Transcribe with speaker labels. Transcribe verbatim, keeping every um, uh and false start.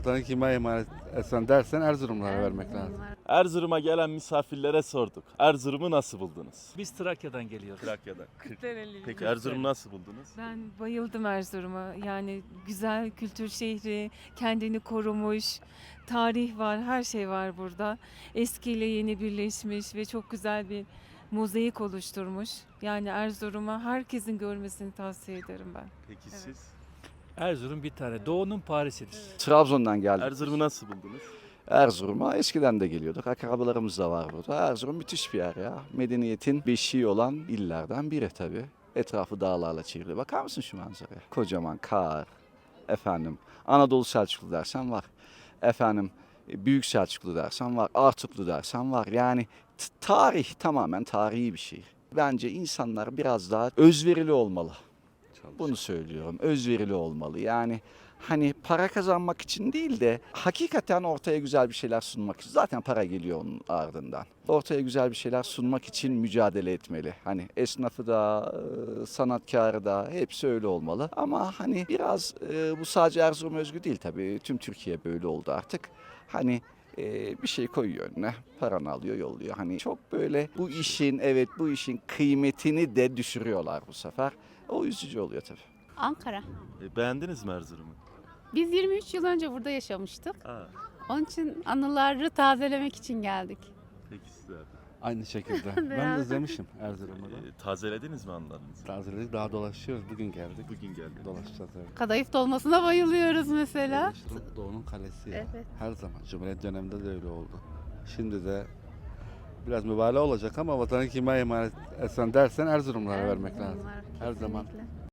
Speaker 1: Vatanı kime emanet etsen dersen Erzurumlara vermek lazım.
Speaker 2: Erzurum'a gelen misafirlere sorduk. Erzurum'u nasıl buldunuz?
Speaker 3: Biz Trakya'dan geliyoruz.
Speaker 2: Trakya'dan.
Speaker 4: Kırklareli'yim.
Speaker 2: Peki Erzurum'u nasıl buldunuz?
Speaker 4: Ben bayıldım Erzurum'a. Yani güzel kültür şehri, kendini korumuş, tarih var, her şey var burada. Eskiyle yeni birleşmiş ve çok güzel bir mozaik oluşturmuş. Yani Erzurum'a herkesin görmesini tavsiye ederim ben.
Speaker 2: Peki
Speaker 4: Evet.
Speaker 2: siz?
Speaker 3: Erzurum bir tane. Doğu'nun Paris'idir.
Speaker 5: Trabzon'dan geldik.
Speaker 2: Erzurum'u nasıl buldunuz?
Speaker 5: Erzurum'a eskiden de geliyorduk. Akrabalarımız da var burada. Erzurum müthiş bir yer ya. Medeniyetin beşiği olan illerden biri tabii. Etrafı dağlarla çevrili. Bakar mısın şu manzaraya? Kocaman kar. Efendim Anadolu Selçuklu dersen var. Efendim Büyük Selçuklu dersen var. Artuklu dersen var. Yani t- tarih tamamen tarihi bir şey. Bence insanlar biraz daha özverili olmalı. Bunu söylüyorum. Özverili olmalı. Yani hani para kazanmak için değil de hakikaten ortaya güzel bir şeyler sunmak için. Zaten para geliyor onun ardından. Ortaya güzel bir şeyler sunmak için mücadele etmeli. Hani esnafı da, e, sanatkarı da hepsi öyle olmalı. Ama hani biraz e, bu sadece Erzurum özgü değil tabii. Tüm Türkiye böyle oldu artık. Hani e, bir şey koyuyor önüne, paranı alıyor, yolluyor. Hani çok böyle bu işin, evet bu işin kıymetini de düşürüyorlar bu sefer. O üzücü oluyor tabii.
Speaker 6: Ankara.
Speaker 2: E, beğendiniz mi Erzurum'u?
Speaker 6: Biz yirmi üç yıl önce burada yaşamıştık.
Speaker 2: Aa,
Speaker 6: Onun için anıları tazelemek için geldik.
Speaker 2: peki sizler?
Speaker 1: Aynı şekilde. ben de özlemişim Erzurum'u da.
Speaker 2: E, tazelediniz mi anılarınızı?
Speaker 1: Tazeledik, daha dolaşıyoruz. Bugün geldik.
Speaker 2: Bugün geldiniz.
Speaker 1: Dolaşacağız evet.
Speaker 6: Kadayıf dolmasına bayılıyoruz mesela.
Speaker 1: Erzurum Doğu'nun kalesi ya.
Speaker 6: Evet.
Speaker 1: Her zaman. Cumhuriyet döneminde de öyle oldu. Şimdi de biraz mübalağa olacak ama vatanı kime emanet etsen dersen Erzurumlara vermek lazım. Her zaman.